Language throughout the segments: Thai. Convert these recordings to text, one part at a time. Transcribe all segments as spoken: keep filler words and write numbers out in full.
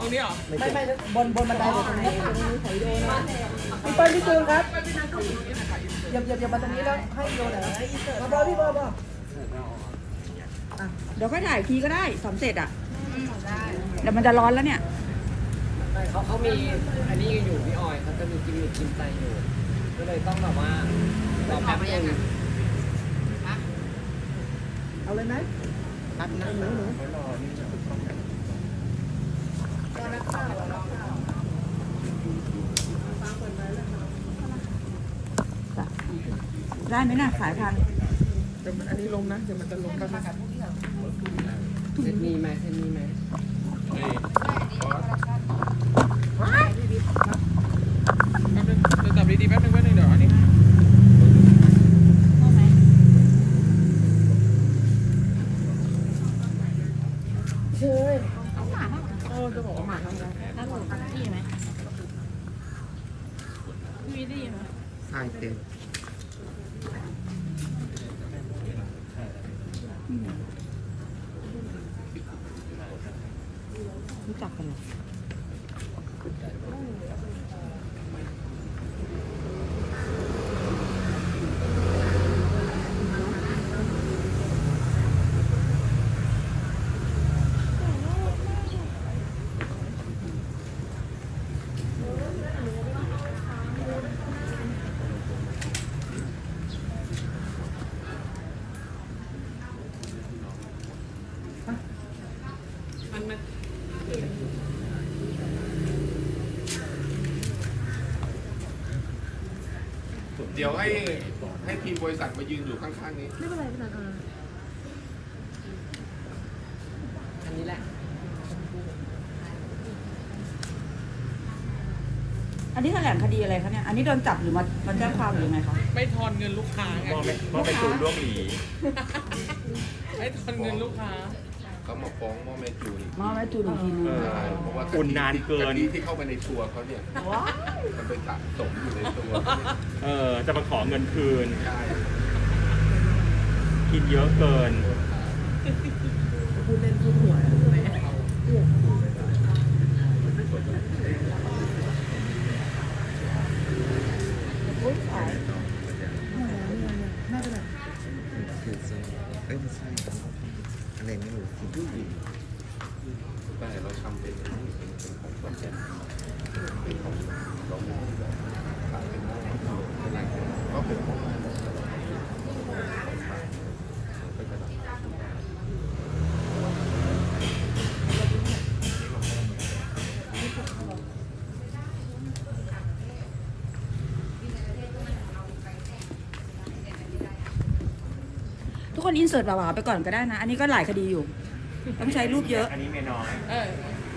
รงนี้เหรอไม่ไม่บนบนบันไดเลยตรงนี้ตรงนี้ถ่ายวิดีโอนะพี่เปิ้ลพี่จูนครับเหยียบเหยียบเหยียบมาตรงนี้แล้วให้วิดีโอหน่อยมาบอพี่บอบอเดี๋ยวค่อยถ่ายทีก็ได้สำเสร็จอ่ะเดี๋ยวมันจะร้อนแล้วเนี่ยเขาเขามีอันนี้อยู่พี่ออยเขาจะมีกิมมิคกินใจอยู่ก็เลยต้องแบบว่ารอแป๊บนึงเอาเลยไหมแป๊บนึงหนูรอนี่ได้ไหมน่ะขายทันเดี๋ยวมันอันนี้ลงนะเดี๋ยวมันจะลงกันนะครับเซตมีไหมเซตมีไหมแป๊บนึงเดี๋ยวจับดีๆแป๊บนึงแป๊บนึงเดี๋ยวอันนี้เฮ้ยโอ้จะบอกว่าหมาทำไงถ้าหนูตั้งที่ไหมพี่ได้ยินไหมใช่เต็มรู้จักกันเหรอเดี๋ยวให้ให้ทีมบริษัทมายืนอยู่ข้างๆนี้ไม่เป็นไรพี่นันอ่าอันนี้แหละอันนี้แถลงคดีอะไรคะเนี่ยอันนี้โดนจับหรือมามาแจ้งความหรือไงคะไม่ทอนเงินลูกค้าไงมอไปจูนร่วมหลีไม่ทอนเงินลูกค้าเขามาฟ้องหม้อแม่จูนมาแม่จูนอีกทีนึงใช่เพราะว่าอุ่นนานเกินกะทิที่เข้าไปในตัวเขาเนี่ยมันไปสะสมอยู่ในตัวเออจะมาขอเงินคืนใช่กินเยอะเกินพูดเล่นพูดหัวอุ้ยสายน่าจะแบบเอ้ยไม่ใช่อะไรไม่รู้สิแต่เราทำเป็นเป็นของคอนเทนต์เป็นของเราขายเป็นหม้อเป็นอะไรก็เป็นหม้อเป็นกระดาษทุกคนอินเสิร์ตบ่าวๆไปก่อนก็ได้นะ อันนี้ก็หลายคดีอยู่ ต้องใช้รูปเยอะอันนี้เมียน้อยเออ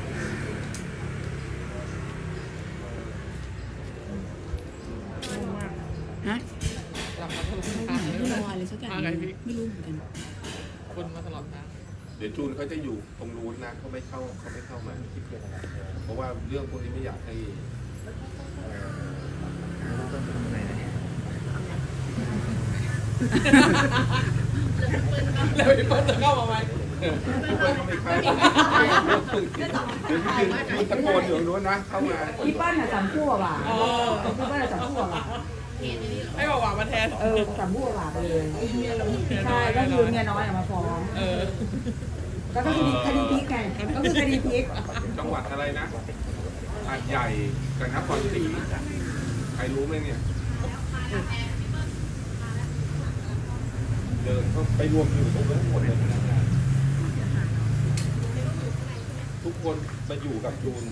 ฮะหลับมาตลอดทางไม่รู้อะไรสักอย่างมาไงพี่ไม่รู้เหมือนกันคนมาตลอดทางเดี๋ยวจูนเขาจะอยู่ตรงนู้นนะเขาไม่เข้าเขาไม่เข้ามาคิดเรื่องอะไรเพราะว่าเรื่องพวกนี้ไม่อยากให้ต้องทำไงนะเนี่ยแล้วพี่เปิ้ลจะเข้ามาไหมทุกคนก็ไม่เข้าเดี๋ยวพี่จูนตะโกนอยู่ตรงนู้นนะเข้ามาพี่เปิ้ลน่ะสามคู่อะว่ะพี่เปิ้ลน่ะสามคู่อะว่ะให้บอกว่ามาแทนเออสามคู่อะว่ะไปเลยใช่ก็คือเมียน้อยอะมาฟ้องเออแล้วก็คดีคดีพลิกไงก็คือคดีพลิกจังหวัดอะไรนะหาดใหญ่กับนครศรีใครรู้ไหมเนี่ย เดินเขาไปรวมอยู่ตรงนั้นหมดเลยทุกคนมาอยู่กับจูน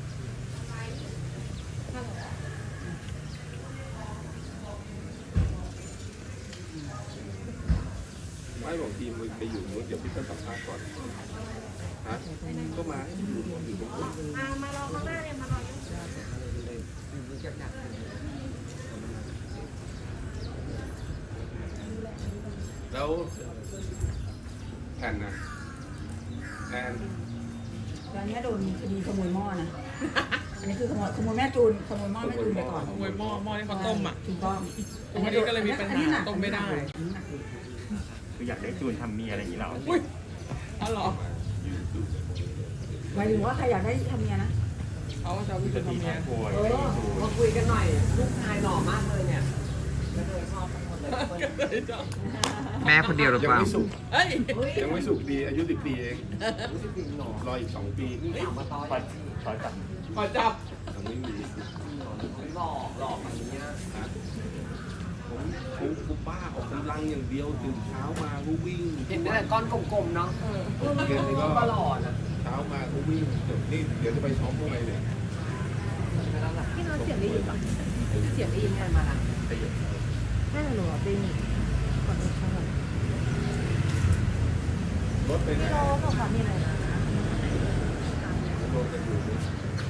ไม่บอกทีมไปอยู่นู้นเดี๋ยวพี่จะสัมภาษณ์ก่อนฮะก็มาให้อยู่ตรงอยู่ตรงนู้นมารอข้างหน้าเลยมารอแล้วแผ่นนะแอนตอนนี้โดนคดีขโมยหม้อนะอันนี้คือขโมยขโมยแม่จูนขโมยหม้อแม่จูนไปก่อนขโมยหม้อหม้อที่เขาต้มอ่ะถูกต้องวันนี้ก็เลยมีปัญหาต้มไม่ได้คืออยากได้จูนทำเมียอะไรอย่างนี้เหรออุ้ยอ๋อเหรอหมายถึงว่าใครอยากได้ทำเมียนะเขาจะเอาพี่จูจะนตีทำเมีทาย งโวยเอไม่อจูนมาคุยกันหน่อยลูกชายหล่อมากเลยเนี่ยแล้วเธอชอบทั้งหมดเลยแม่คนเดียวหรือยัเปล่าไม่สุกเฮ้ยยังไม่สุกดีอายุสิบปีเองรู้สึกจริงหรอรออีกสองปีมีสาวมาต้อยขอขอจับขอจับยังไม่มีหล่อหล่อแบบนี้นะผมผมผมบ้าออกกำลังอย่างเดียวตื่นเช้ามาก็วิ่งเห็นแต่ก้อนกลมๆเนาะเย็นนี่ก็ก็หล่อนะเช้ามาก็วิ่งเดี๋ยวนี่เดี๋ยวจะไปซ้อมพวกอะไรเนี่ยพี่นอนเสียงได้ยินปะเสียงได้ยินไหมมาละขยับน่าจะหนูเป็นก่อนเข้ารถไปไหนพี่โลก็ขอมีอะไรนะรถจะอยู่นี่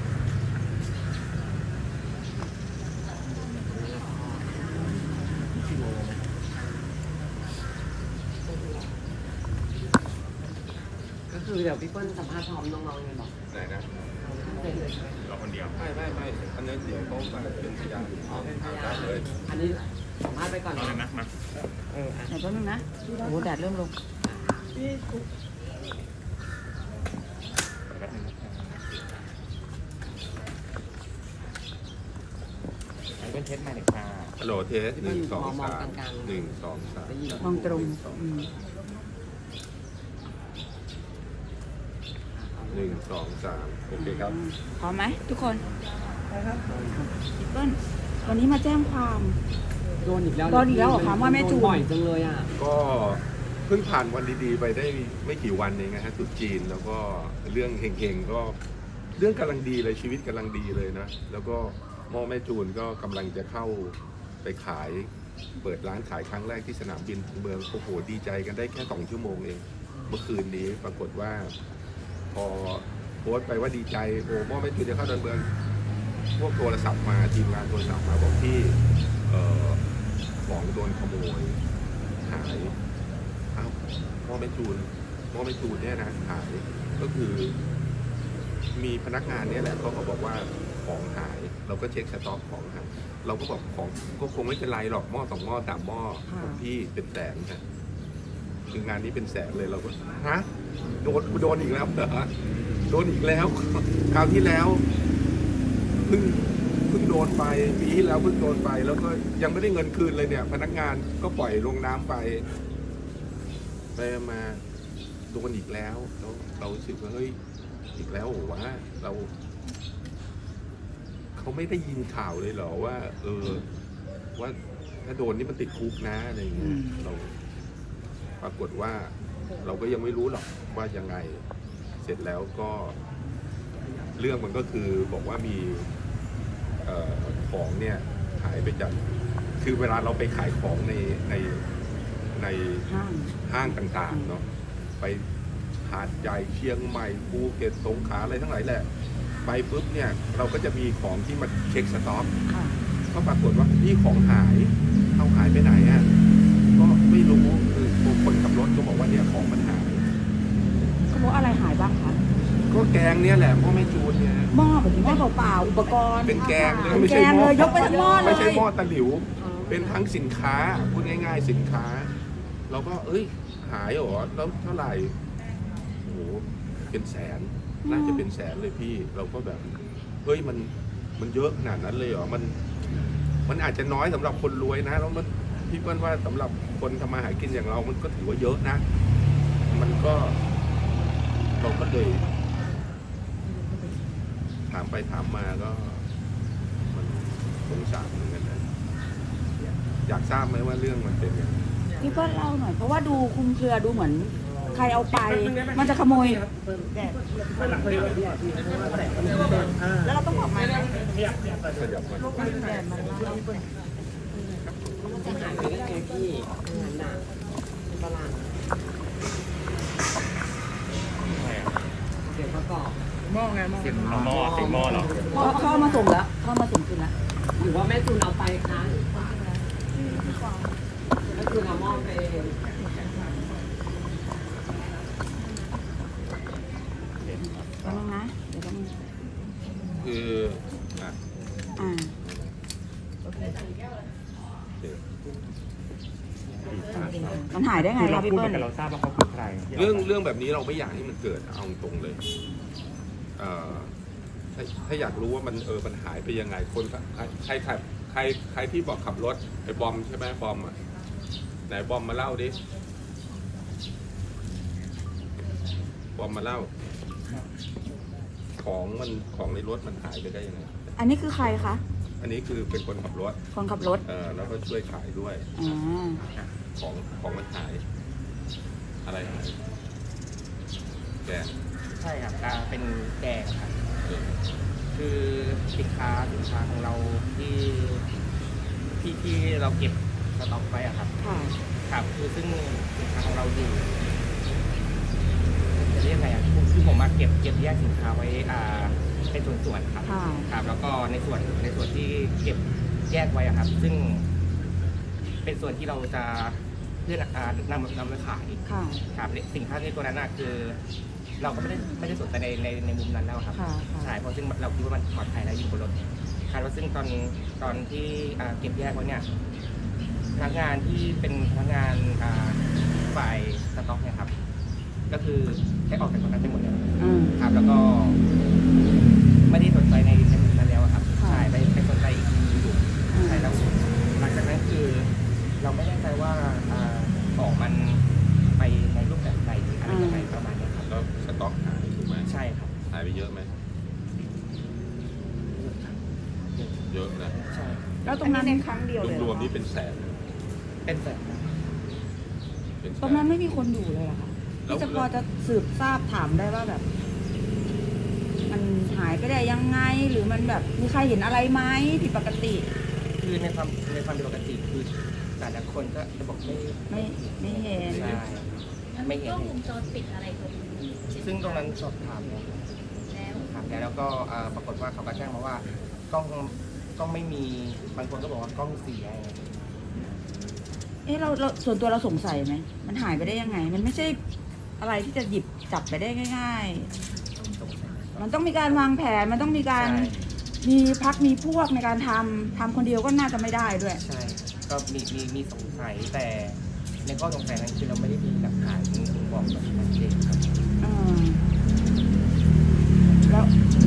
ก็คือเดี๋ยวพี่เปิ้ลสัมภาษณ์พร้อมน้องๆยังไงบอกไหนนะเราคนเดียวไม่ไม่ไม่อันนั้นเดี๋ยวเขามาเป็นพยานอ๋อเป็นพยาได้นเลยอันนี้สัมภาษณ์ไปก่อนเอาเนาะเลยนะมาเอออ่ะไหนแป๊บนึงนะโอ้โหแดดเริ่มลงแป๊บนึงนะอันเป็นเทสใหม่เลยค่ะฮัลโหลเทสหนึ่งสองสามหนึ่งสองสามได้ยินมองตรงอืมหนึ่งสองสามโอเคครับพร้อมไหมทุกคนพี่เปิ้ลวันนี้มาแจ้งความโดนอีกแล้วโดนอีกแล้วเหรอคะว่าแม่จูนโดนบ่อยจังเลยอ่ะก็เพิ่งผ่านวันดีๆไปได้ไม่กี่วันเองนะฮะตรุษจีนแล้วก็เรื่องเฮงๆก็เรื่องกำลังดีเลยชีวิตกำลังดีเลยนะ แล้วก็หม่อแม่จูนก็กำลังจะเข้าไปขายเปิดร้านขายครั้งแรกที่สนามบินของเมืองโอ้โหดีใจกันได้แค่สองชั่วโมงเองเมื่อคืนนี้ปรากฏว่า พอโพสต์ไปว่าดีใจโอ้หม่อแม่จูนจะเข้าเดินเมืองพวกโทรศัพท์มาทีมงานโทรศัพท์มาบอกที่เอ่อของโดนขโมยหายอ้าวหม้อแม่จูนหม้อแม่จูนเนี่ยนะหายก็คือ มีพนักงานเนี่ยแหละเขาก็บอกว่าของหาย เราก็เช็คสต็อกของหายเราก็บอกของก็คงไม่เป็นไรหรอกหม้อสองหม้อสามหม้อของพี่เป็นแสนนะคืองานนี้เป็นแสนเลยเราก็ฮะโดนโดนอีกแล้วเหรอโดนอีกแล้วคราวที่แล้วเพิ่งเพิ่งโดนไปปีที่แล้วเพิ่งโดนไป แล้วก็ยังไม่ได้เงินคืนเลยเนี่ย พนักงานก็ปล่อยลงน้ำไปไปมาโดนอีกแล้วแล้วเรารู้สึกว่าเฮ้ยอีกแล้วโหวะเราเขาไม่ได้ยินข่าวเลยเหรอว่า เออ ว่าถ้าโดนนี่มันติดคุกนะอะไรอย่างเงี้ยเราปรากฏว่า เราก็ยังไม่รู้หรอกว่ายังไง เสร็จแล้วก็ เรื่องมันก็คือบอกว่ามีเอ่อของเนี่ยหายไปจากคือเวลาเราไปขายของในในในห้างห้างต่างๆเนาะไปหาดใหญ่เชียงใหม่ภูเก็ตสงขลาอะไรทั้งหลายแหละไปปุ๊บเนี่ยเราก็จะมีของที่มาเช็คสต็อกค่ะก็ปรากฏว่านี่ของหายเอาหายไปไหนอ่ะก็ไม่รู้คือคนขับรถก็บอกว่าเนี่ยของมันหายเขาบอกอะไรหายบ้างคะก็แกงเนี่ยแหละพ่อแม่จูนเนี่ยหม้อแบบหม้อเปล่าๆอุปกรณ์เป็นแกงเลยเป็นไม่แกใช่งหเลม้อยยกไปทั้งหม้อเลยไม่ใช่หม้อตะหลิว เป็นทั้งสินค้าพูดง่ายๆสินค้า เราก็เอ้ยหายเหรอแล้วเท่าไหร่โอ้โหเป็นแสนน่าจะเป็นแสนเลยพี่ เราก็แบบเฮ้ยมันมันเยอะขนาดนั้นเลยเหรอมัน มันอาจจะน้อยสำหรับคนรวยนะแล้วมันพี่เปิ้ลว่าสำหรับคนทำมาหากินอย่างเรา มันก็ถือว่าเยอะนะ มันก็เราก็เลย ถามไปถามมาก็ มันสงสารเหมือนกันนะอยากทราบไหมว่าเรื่องมันเป็นยังไงพี่เปิ้ลเล่าหน่อยเพราะว่าดูคลุมเครือดูเหมือน ใครเอาไป มันจะขโมย แล้วเราต้องบอกไหมขยับมาจะหายไปได้ไงพี่งานหนักตลาดใช่อะเสียงประกอบหม้อไงหม้อเสียงเอาหน้ม้ออง ติดหม้อเหรอเขาเขาเอามาส่งแล้วเขาเอามาส่งคืนแล้วหรือว่าแม่จูนเอาไปคะแม่จูนเอาหม้อไปแป๊บนึงนะเดี๋ยวแป๊บนึงคืออ่ะอ่าโอเคมันหายได้ไงคือเราคะพี่พูดเหเปิ้มืลอนกับเราทราบว่าเขาคือใครที่าเรื่องเรื่องแบบนี้เราไม่อยากให้มันเกิดเอาตรงเลยเอ่อถ้าถ้าอยากรู้ว่ามันเออมันหายไปยังไงคนใครใครขับใครใครที่บอกขับรถไอ้บอมใช่ไหมบอมอ่ะไหนบอมมาเล่าดิบอมมาเล่า ของมันของในรถมันหายไปได้ยังไงอันนี้คือใครคะอันนี้คือเป็นคนขับรถคนขับรถเออแล้วก็ช่วยขายด้วยอ๋อของของมันหาย อะไรหายแกงใช่ครับอ่าเป็นแกงครับเออคือสินค้าสินค้าของเราที่ที่ที่เราเก็บสต็อกไว้อะครับค่ะครับคือซึ่งสินค้าของเราอยู่จะเรียกไงอ่ะคือผมมาเก็บเก็บแยกสินค้าไว้อ่าเป็นส่วนๆครับค่ะครับ แล้วก็ในส่วนในส่วนที่เก็บแยกไว้อะครับ ซึ่งเป็นส่วนที่เราจะเพื่อนอ่านำนำไปขายค่ะครับสินค้าในตัวนั้นน่ะคือ เราก็ไม่ได้ไม่ได้สนใจในในในมุมนั้นแล้วครับค่ะค่ะใช่เพราะซึ่งเราคิดว่ามันปลอดภัยแล้วอยู่บนรถคาดว่าซึ่งตอนตอนที่อ่าเก็บแยกไว้เนี่ยพนักงานที่เป็นพนักงานอ่าฝ่ายสต็อกเนี่ยครับ ก็คือให้ออกจากตรงนั้นไปหมดเลยอืมครับ แล้วก็ไม่ได้สนใจในในมุมนั้นแล้วอะครับค่ะใช่ไปไปสนใจอีกทีอยู่ใช่แล้วหลังจากนั้นคือเราไม่แน่ใจว่าอ่าของมันไปในรูปแบบใดหรืออะไรยังไงประมาณนี้ครับแล้วสต็อกหายถูกไหมใช่ครับหายไปเยอะไหมเยอะนะใช่แล้วตรงนั้นในครั้งเดียวเลยเหรรวอมๆนี่คะเป็นแสนเป็นแบบเป็นแสตรงนั้นไม่มีคนอยู่เลยเหรอคะแล้วที่จะพอจะสืบทราบถามได้ว่าแบบ มันหายไปได้ยังไง หรือมันแบบมีใครเห็นอะไรไหมผิดปกติคือในความในความเป็นปกติคือแต่ละคนก็จะบอกไม่ไม่ไม่เห็นใช่ไม่เห็นกล้องวงจรปิดอะไรก็มีซึ่งตรงนั้นสอบถามแล้วแล้วถามแล้วแล้วก็เอ่อปรากฏว่าเขาก็แจ้งมาว่ากล้องกล้องไม่มีบางคนก็บอกว่ากล้องเสียเอ๊ะเราเราส่วนตัวเราสงสัยไหมมันหายไปได้ยังไง มันไม่ใช่อะไรที่จะหยิบจับไปได้ง่ายสงสัยๆ มันต้องมีการวางแผนมันต้องมีการใช่มีพักมีพวกในการทำทำคนเดียวก็น่าจะไม่ได้ด้วยใช่ก็มีมีมีสงสัยแต่ในข้อสงสัยนั้นคือเราไม่ได้มีหลักฐานบอกแบบชัดเจนครับเออแล้ว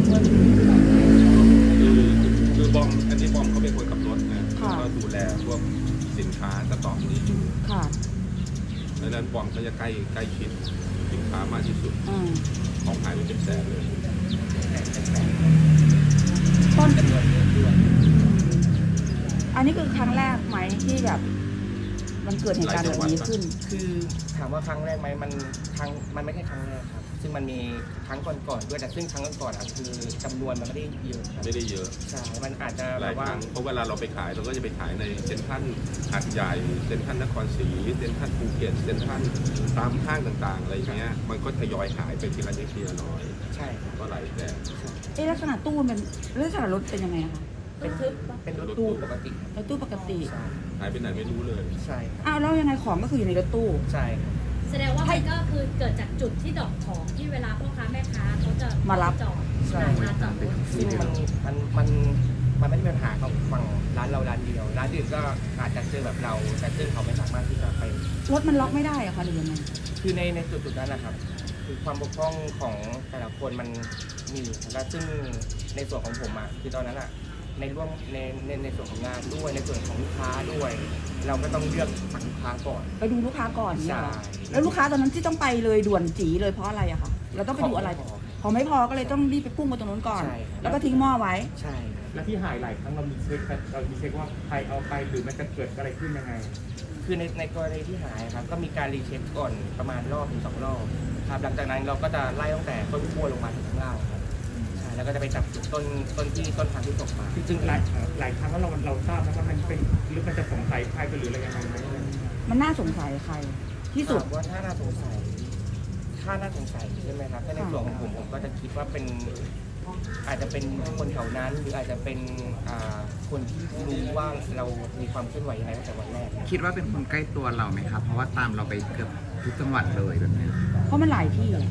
คือคือบอมอันนี้บอมเขาเป็นคนขับรถนะแล้วก็ดูแลพวกสินค้าสต็อกนี้อยู่ค่ะดังนั้นบอมก็จะใกล้ใกล้ชิดสินค้ามากที่สุดอืมของหายไปเป็นแสนเลยแต่แต่แต่ต้นจำนวนเยอะด้วยอันนี้คือครั้งแรกไหมที่แบบ มันเกิดเหตุการณ์แบบนี้ขึ้นคือถามว่าครั้งแรกไหมมันครั้งมันไม่ใช่ครั้งแรกครับ ซึ่งมันมีครั้งก่อนๆด้วยแต่ซึ่งครั้งก่อนๆอ่ะคือจำนวนมันไม่ได้เยอะครับไม่ได้เยอะใช่มันอาจจะหแบลายบคว่ารั้งเพราะเวลาเราไปขายเราก็จะไปขายในเซ็นทรัลหาดใหญ่เซ็นทรัลนครศรีเซ็นทรัลภูเก็ตเซ็นทรัลตามห้างต่างๆอะไรอย่างเงี้ยมันก็ทยอยหายไปทีละนิดทีละน้อยใช่ครับก็หลายแสนเอ๊ะลักษณะตู้มันลักษณะรถเป็นยังไงอะคะเป็นเป็นรถตู้ปกติครับรถตู้ปกติใช่หายไปไหนไม่รู้เลยใช่ครับอ้าวแล้วยังไงของก็คืออยู่ในรถตู้ใช่ครับแสดงว่ามันก็คือเกิดจากจุดที่ดอกของที่เวลาพ่อค้าแม่ค้าเขาจะมารับจอดใช่ร้านจอดรถซึ่งมันมันมันมันไม่ได้มีปัญหาของฝั่งร้านเราร้านเดียว ร้านอื่นก็อาจจะเจอแบบเรา แต่ซึ่งเขาไม่สามารถที่จะไปรถมันล็อกไม่ได้อะคะหรือยังไงคือในในจุดจุดๆนั้นนะครับ คือความบกพร่องของแต่ละคนมันมีและซึ่งในส่วนของผมอ่ะคือตอนนั้นอ่ะในร่วมในในในส่วนของงานด้วยในส่วนของลูกค้าด้วย เราก็ต้องเลือกฝั่งลูกค้าก่อนไปดูลูกค้าก่อนเนี่ยใช่เหรอแล้วลูกค้าตอนนั้นที่ต้องไปเลยด่วนจีเลยเพราะอะไรอะคะเราต้องไปดูอะไรของพอไม่พอก็เลยต้องรีบไปพุ่งมาตรงนู้นก่อนใช่ครับแล้วก็ทิ้งหม้อไว้ใช่ครับแล้วที่หายหลายครั้งเรามีเช็คเรามีเช็คว่าใครเอาไปหรือมันจะเกิดอะไรขึ้นยังไงคือในในกรณีที่หายครับก็มีการรีเช็คก่อนประมาณรอบถึงสองรอบครับหลังจากนั้นเราก็จะไล่ตั้งแต่ต้นขั้วลงมาถึงข้างล่างครับใช่แล้วก็จะไปจับจุดต้นต้นที่ต้นทางที่ตกมาจริงๆหลายหลายครั้งแล้วเราเราทราบนะว่ามันเป็นหรือมันจะสงสัยใครหรืออะไรยังไงไหมมันน่าสงสัยใคร ที่สุดถามว่าถ้าน่าสงสัยถ้าน่าสงสัยใช่ไหมครับถ้าในส่วนของผมผมก็จะคิดว่าเป็นอาจจะเป็นคนแถวนั้น หรืออาจจะเป็นอ่าคนที่รู้ว่าเรามีความเคลื่อนไหวยังไงตั้งแต่วันแรกคิดว่าเป็นคนใกล้ตัวเราไหมครับ เพราะว่าตามเราไปเกือบทุกจังหวัดเลยแบบนี้เพราะมันหลายที่อะ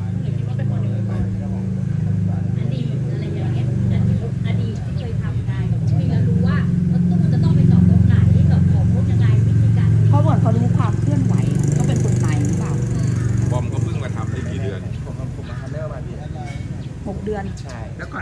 อดีตอะไรอย่างเงี้ยอดีตที่เคยทำได้คุยแล้วรู้ว่ารถตู้จะต้องไปจอดตรงไหนจอดของรถยังไงวิธีการเพราะเหมือนเขารู้ความเคลื่อนไหวก็เป็นคนในหรือเปล่าบอมก็เพิ่งมาทำได้กี่เดือนผมผมมาทำได้ประมาณเดือนหกเดือนใช่แล้วก่อนหน้านั้นมี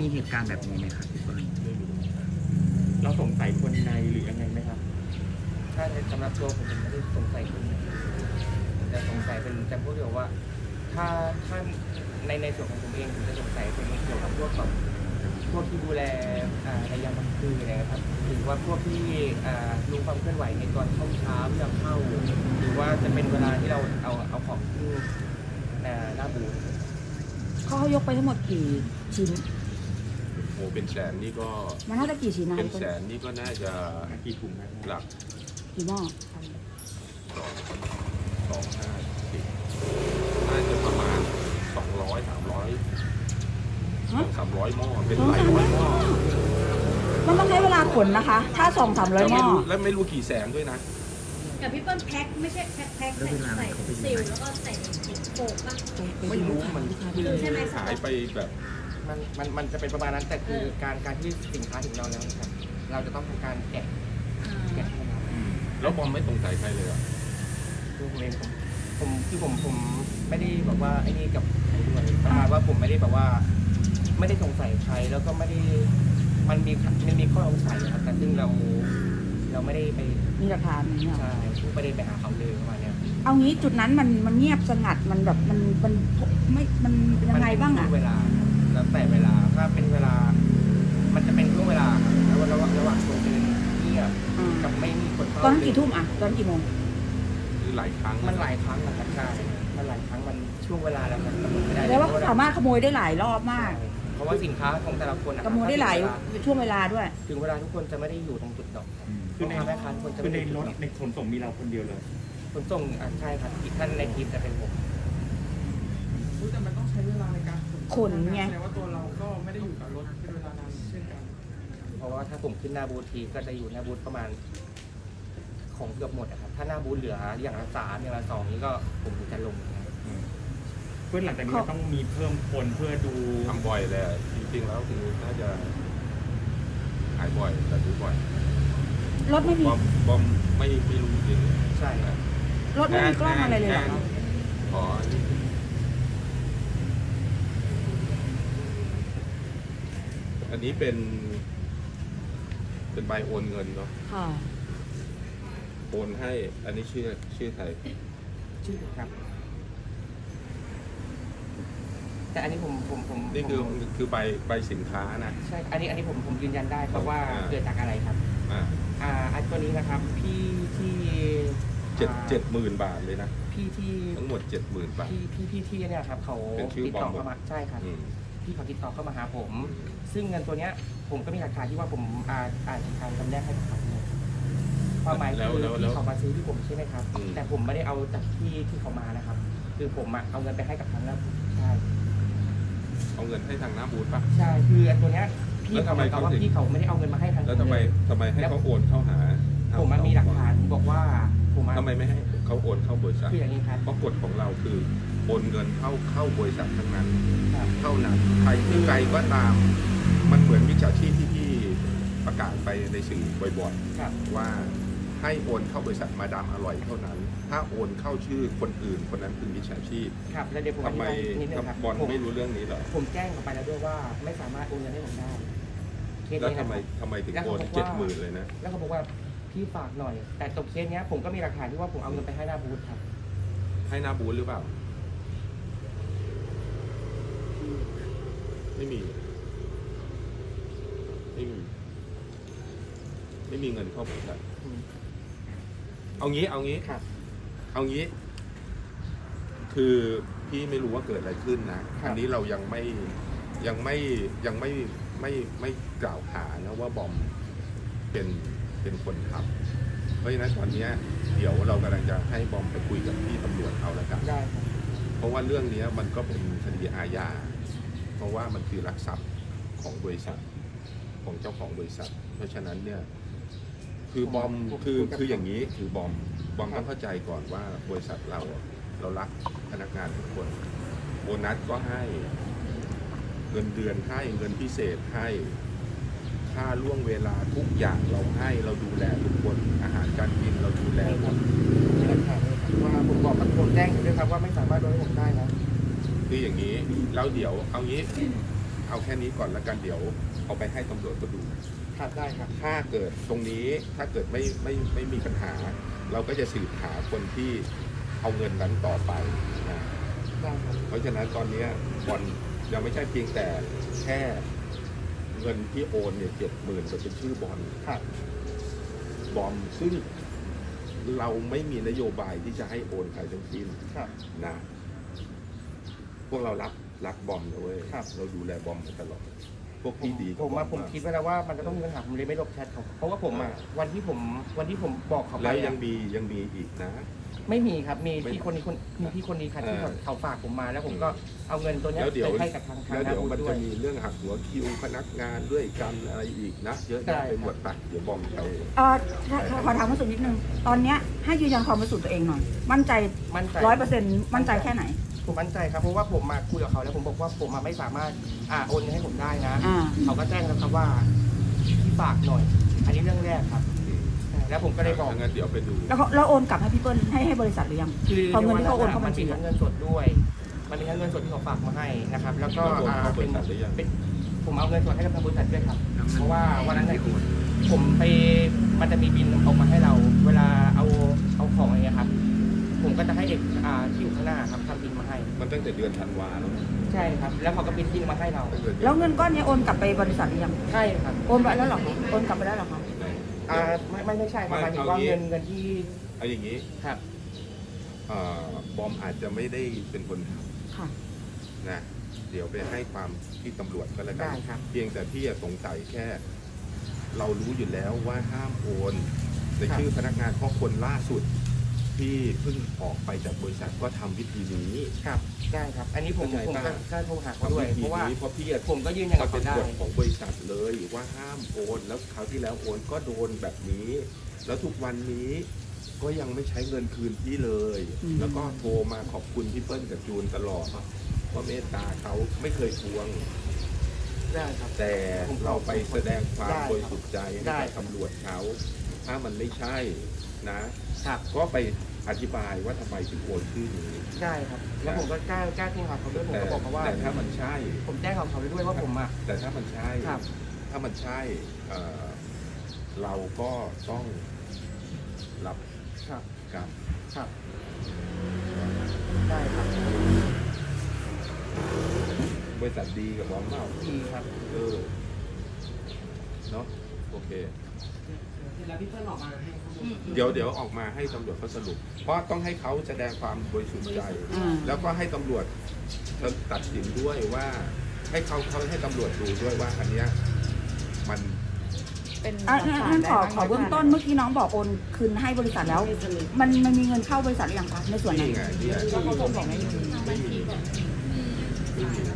มีเหตุการณ์แบบนี้ไหมครับพี่เปิ้ลเราสงสัยคนในหรือยังไงไหมครับถ้าในสำหรับตัวผมผมไม่ได้สงสัยคนนะแต่สงสัยเป็นแต่พวกเดียวว่า ถ้าถ้าในในส่วนของผมเองผมจะสงสัยเป็นเกี่ยวกับพวกแบบพวกที่ดูแลอ่าในยามกลางคืนนะครับหรือว่าพวกที่อ่ารู้ความเคลื่อนไหวในตอนเข้าเช้ายามเข้า หรือว่าจะเป็นเวลาที่เราเอาเอาของขึ้นอ่าหน้าบูธเขาเขายกไปทั้งหมดกี่ชิ้นโอ้เป็นแสนนี่ก็มันน่าจะกี่ชิ้นนะเป็นพี่แสเปิ้ลนนี่ก็น่าจะกี่ถุงนะหลักกี่หม้อสองสองห้าสิบน่าจะประมาณสองร้อยสามร้อยสองสามร้อยหม้อเป็นหลายร้อยหม้อมันต้องใช้เวลาขนนะคะ ถ้าสองสามร้อยแล้วหม้ไม่อรู้แล้วไม่รู้กี่แสนด้วยนะกับพี่เปิ้ลแพ็คไม่ใช่แพ็คแพ็คใส่ใส่ซิลแล้วก็ใส่โปกป่ะไม่รู้มันใช่ไหมหายไปแบบมันมันมันจะเป็นประมาณนั้นแต่คือการการที่สินค้าถึงเราแล้วนะครับเราจะต้องทำการแกะแกะให้เราแล้วบอมไม่สงสัยใครเลยอ่ะคือผมเองผมผมคือผมผมไม่ได้แบบว่าไอ้นี่กับใครด้วยประมาณว่าผมไม่ได้แบบว่า ไม่ได้สงสัยใครแล้วก็ไม่ได้มันมีมันมีข้อสงสัยนะครับแต่ซึ่งเราเราไม่ได้ไปมีหลักฐานอย่างเงี้ยใช่ไม่ได้ไปหาเขาเลยประมาณเนี้ยเอางี้จุดนั้นมันมันเงียบสงัดมันแบบมันมันไม่มันยังไงบ้างมันอะเป็นช่วเวลาแล้วแต่เวลาถ้าเป็นเวลา มันจะเป็นช่วงเวลาครับแล้วระหว่างระหว่างคนเดินเงียบอ่ากับไม่มีคนเข้าตอนนั้นกี่ทุ่มอะตอนนั้นกี่โมงคือหลายครั้งมันหลายครั้งนะครับใช่มันหลายครั้งมันช่วงเวลาแล้วมันกำหนดไม่ได้แปลว่าเขาสามารถขโมยได้หลายรอบมากเพราะว่าสินค้าของแต่ละคนนะคขรับโมยได้หลายถึงเวช่วงเวลาด้วยถึงเวลาทุกคนจะไม่ได้อยู่ตรงจุดดอกครับคือในพ่อค้าแม่ค้าทุกคนจะคือไม่ในได้อยู่รจุถดดอกในขนส่งมีเราคนเดียวเลยขนส่งอ่ะใช่ครับอีกท่านในทีมจะเป็นผมแต่มันต้องใช้เวลาในการขนไงแสดงว่าตัวเราก็ไม่ได้อยู่กับรถเป็นเวลานานเช่นกันเพราะว่าถ้าผมขึ้นหน้าบูธทีก็จะอยู่หน้าบูธประมาณ ของเกือบหมดอะครับถ้าหน้าบูธเหลืออย่างละสามอย่างละสองนี่ก็ผมถึงจะลงนะครับเพื่อนหลังจากนี้ต้องมีเพิ่มคนเพื่อดูทำบ่อยเลยอะจริงๆแล้วคือน่าจะหายบ่อยแต่ดูบ่อยรถไม่มีบอมบอมไม่ไม่รู้จริงใช่ครับรถไม่มีกล้องอะไรเลยเหรออ๋ออันนี้อันนี้เป็น เป็นใบโอนเงินเนาะค่ะโอนให้ อันนี้ชื่อชื่อใครชื่อครับ แต่อันนี้ผมผมผมนี่คือผมคือใบใบสินค้านะใช่อันนี้อันนี้ผมผมยืนยันได้เพราะว่าอ่าเกิดจากอะไรครับอ่าอ่าอันตัวนี้นะครับ พี่ที่เจ็ดอ่าเจ็ดหมื่นบาทเลยนะพี่ที่ทั้งหมดเจ็ดหมื่นบาทพี่พี่พี่ที่เนี่ยครับเขาเป็นชื่อติดต่อบอมหมดเข้ามาใช่ครับอืมพี่เขาติดต่อเข้ามาหาผม ซึ่งเงินตัวเนี้ย ผมก็มีหลักฐานที่ว่าผมอ่าอ่านการจำแนกให้กับเขาเนี่ยความหมายแล้วคือแล้วแล้วที่เขามาซื้อที่ผมใช่ไหมครับอืมแต่ผมไม่ได้เอาจากที่ที่เขามานะครับ คือผมอะเอาเงินไปให้กับทางนั้นใช่เอาเงินให้ทางหน้าบูธป่ะใช่คืออันตัวเนี้ยพี่แล้วทำเขาไมบอกว่าเขาถึงพี่เขาไม่ได้เอาเงินมาให้ทางแล้วทำไมเลยทำไมให้เขาโอนเข้าหาผมมันมีหลักฐานบอกว่าผมอะทำไมไม่ให้เขาโอนเข้าบริษัทคืออย่างนี้ครับเพราะกฎของเราคือโอนเงินเข้าเข้าบริษัททั้งนั้นครับเท่านั้นใครที่ใครก็ตาม มันเหมือนมิจฉาชีพที่พี่ประกาศไปในสื่อบ่อยครับๆว่าให้โอนเข้าบริษัทมาดามอร่อยเท่านั้น ถ้าโอนเข้าชื่อคนอื่นคนนั้นคือมิจฉาชีพครับแล้วเดี๋ยวผมอทำธิไมบายนิดนึงครับบอลผมไม่รู้เรื่องนี้เหรอผมแจ้งออกไปแล้วด้วยว่าไม่สามารถโอนเงินให้ผมได้เคสแล้วนี้ทำนะไมครับทำไมถึงแล้วโอเขานบอกว่าเจ็ดหมื่นเลยนะแล้วเขาบอกว่าพี่ฝากหน่อย แต่ตกเคสเนี้ยผมก็มีหลักฐานที่ว่าผมเอาเงินไปให้หน้าบูธครับให้หน้าบูธหรือเปล่า ไม่มี ไม่มี ไม่มีเงินเข้าบริษัทอืมเอางี้ เอางี้ครับเอางี้ คือพี่ไม่รู้ว่าเกิดอะไรขึ้นนะครับอันนี้เรายังไม่ยังไม่ยังไม่ไม่ไม่กล่าวหานะว่าบอมเป็นเป็นคนทำเพราะฉะนั้นตอนเนี้ยเดี๋ยวเรากำลังจะให้บอมไปคุยกับพี่ตำรวจเอาละกันได้ครับเพราะว่าเรื่องนี้มันก็เป็นคดีอาญา เพราะว่ามันคือลักทรัพย์ของบริษัทของเจ้าของบริษัท เพราะฉะนั้นเนี่ย คือบอมคือคืออย่างนี้คือบอมบอมต้องเข้าใจก่อนว่าบริษัทเราเรารักพนักงานทุกคน โบนัสก็ให้เงินเดือนให้เงินพิเศษให้ค่าล่วงเวลาทุกอย่างเราให้เราดูแลทุกคนอาหารการกินเราดูแลหมดมีหลักฐานเลยครับว่าผมบอกกับผมแจ้งอยู่ด้วยครับว่าไม่สามารถโดนให้ผมได้นะคืออย่างนี้แล้วเดี๋ยวเอางี้เอาเอาแค่นี้ก่อนแล้วกันเดี๋ยวเอาไปให้ตำรวจก็ดูครับได้ครับถ้าเกิดตรงนี้ถ้าเกิดไม่ไม่ไม่มีปัญหา เราก็จะสืบหาคนที่เอาเงินนั้นต่อไปนะได้ครับเพราะฉะนั้นตอนนี้บอลยังไม่ใช่เพียงแต่แค่เงินที่โอนเนี่ยเจ็ดหมื่นจะเป็นชื่อบอลครับบอมซึ่งเราไม่มีนโยบายที่จะให้โอนใครทั้งสิ้นครับนะพวกเรารักรักบอมนะเว้ยครับเราดูแลบอมมาตลอดพวกพี่ดีกับผมบออะผมากคิดไว้แล้วว่ามันจะต้องมีปัญหาผมเลยไม่ลบแชทเขาเพราะว่าผมอะวันที่ผมวันที่ผมบอกเขาไปแล้วยัอะงมียังมีอีกนะไม่มีครับมีไม่พี่คนนี้คนมีพี่คนนี้ครับที่เออเขาฝากผมมาแล้วผมก็เอาเงินตัวเนี้ยแล้วเดี๋ยวไปให้กับทางทางแล้วเดี๋ยวบุญมันด้วจะยมีเรื่องหักหัวคิวพนักงานด้วยกันอะไรอีกนะเยอะแยะได้ไปหมดไปเดี๋ยวบอมไปเออขอถามคุณสุนิดนึงตอนเนี้ยให้ยืนยันความบริสุทธิ์ตัวเองหน่อย มั่นใจมั่นใจร้อยเปอร์เซ็นต์มั่นใจแค่ไหนผมมั่นใจครับเพราะว่าผมมาคุยกับเขาแล้วผมบอกว่าผมมาไม่สามารถอ่าโอนเงินให้ผมได้นะอ่าเขาก็แจ้งแล้วครับว่าพี่ฝากหน่อย อันนี้เรื่องแรกครับ แล้วผมก็เลยบอกงั้นเดี๋ยวไปดูแล้วเขาแล้วโอนกลับให้พี่เปิ้ลให้ให้บริษัทหรือยังคือพอเงินที่เขาโอนเข้ามับัญชีมีทั้งเงินสดด้วย มันมีทั้งเงินสดที่เขาฝากมาให้นะครับ แล้วก็แล้วโอนอ่าเข้าบเป็รินษัทหรือยังเป็นผมเอาเงินสดให้กับทางบริษัทด้วยครับ เพราะว่าวันนั้นเนี่ยผมไปมันจะมีบินออกมาให้เรา เวลาเอาเอาของอะไรเงี้ยครับ ผมก็จะให้เด็กอ่าที่อยู่ข้างหน้าครับทำบินมาให้มันตั้งแต่เดือนธันวาแล้วนะใช่ครับ แล้วเขาก็บินบินมาให้เราตั้งแต่ดือแล้วเงินก้อนเนี้ยโอนกลับไปบริษัทหรือยังใช่ครับโอนไปแล้วเหรอคะโอนกลับไปแล้วเหรอคะอ่าไม่ไม่ไม่ใช่ครับหมายถึงว่าเงินเงินที่เอาอย่างนี้ครับเอ่อบอมอาจจะไม่ได้เป็นคนทค่ะำนะเดี๋ยวไปให้ความที่ตำรวจก็แล้วกัได้นครับเพียงแต่พี่อะสงสัยแค่ เรารู้อยู่แล้วว่าห้ามโอนในชื่อพนักงานเพราะคนล่าสุด ที่เพิ่งออกไปจากบริษัทก็ทำวิธีนี้ครับได้ครับ อันนี้ผมเข้าใจผมป่ะก็ก็โทรหาเขาทำด้วยวิธีเพราะว่านี้เพราะพี่อะผมก็ยืนยันกับมันเขาเป็นได้กฎของบริษัทเลยว่าห้ามโอนแล้วคราวที่แล้วโอนก็โดนแบบนี้ แล้วทุกวันนี้ก็ยังไม่ใช้เงินคืนพี่เลยอืมแล้วก็โทรมาขอบคุณพี่เปิ้ลกับจูนตลอดว่าเมตตาเขาไม่เคยทวงได้ครับแต่เราไปแสดงความได้ครับบริสุทธิ์ใจให้ได้กับครับตำรวจเขาถ้ามันไม่ใช่นะ ก็ไปอธิบายว่าทำไมถึงโอนชื่อนี้ได้ครับ แล้วผมก็กล้ากล้าที่หาเขาด้วยผมแต่ก็บอกเขาว่าแต่ถ้ามันใช่ผมแจ้งเขาเขาไปด้วยว่าผมอ่ะแต่ถ้ามันใช่ครับถ้ามันใช่เอ่อเราก็ต้องรับครับกรรมครับ ได้ครับบริษัทดีกับบอมเปล่าดีครับเออเนาะโอเคแล้วพี่เปิ้ลออกมาให้ข้อมูลเดี๋ยวเดี๋ยวออกมาให้ตำรวจเขาสรุป เพราะต้องให้เขาแสดงความบริสุทธิ์ใจอืมแล้วก็ให้ตำรวจตัดสินด้วยว่า ให้เขาเขาให้ตำรวจดูด้วยว่าอันเนี้ยมันอ่ะงั้นงั้นขอขอเบื้องต้นเมื่อกี้น้องบอกโอนคืนให้บริษัทแล้ว มันมันมีเงินเข้าบริษัทหรือยังคะในส่วนนั้นนี่ไงเนี่ยแล้วเขาบอกไม่มีไม่มีไม่มี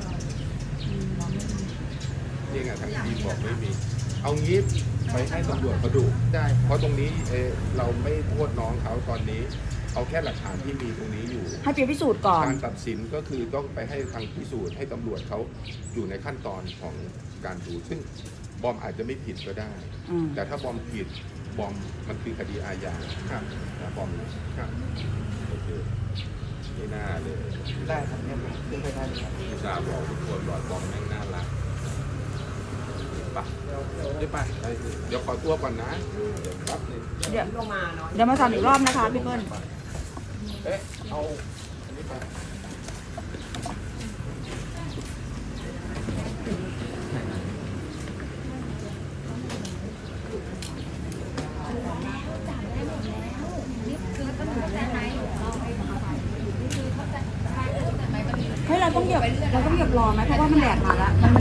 นี่ไงทางทีมบอกไม่มี เอางี้ไปให้ตำรวจเขาดูได้เพราะตรงนี้เออเราไม่โทษน้องเขาตอนนี้ เอาแค่หลักฐานที่มีตรงนี้อยู่ให้ไปพิสูจน์ก่อนการตัดสินก็คือต้องไปให้ทางพิสูจน์ให้ตำรวจเขาอยู่ในขั้นตอนของการดู ซึ่งบอมอาจจะไม่ผิดก็ได้อืมแต่ถ้าบอมผิดบอมมันคือคดีอาญาครับนะบอมครับโอเคไม่น่าเลยได้ครับเนี่ยผมขึ้นไปได้เลยครับอุตส่าห์บอกทุกคนว่าบอมแม่งน่ารักไปได้ไปได้สิเดี๋ยวขอตัวก่อนนะเดี๋ยวแป๊บนึงเดี๋ยวลงมาเนาะเดี๋ยวมาทำอีกรอบนะคะพี่เปิ้ลเอ๊ะเอาอันนี้ไปเฮ้ยเราต้องเหยียบเราต้องเหยียบรอไหมเพราะว่ามันแดดมาแล้วมัน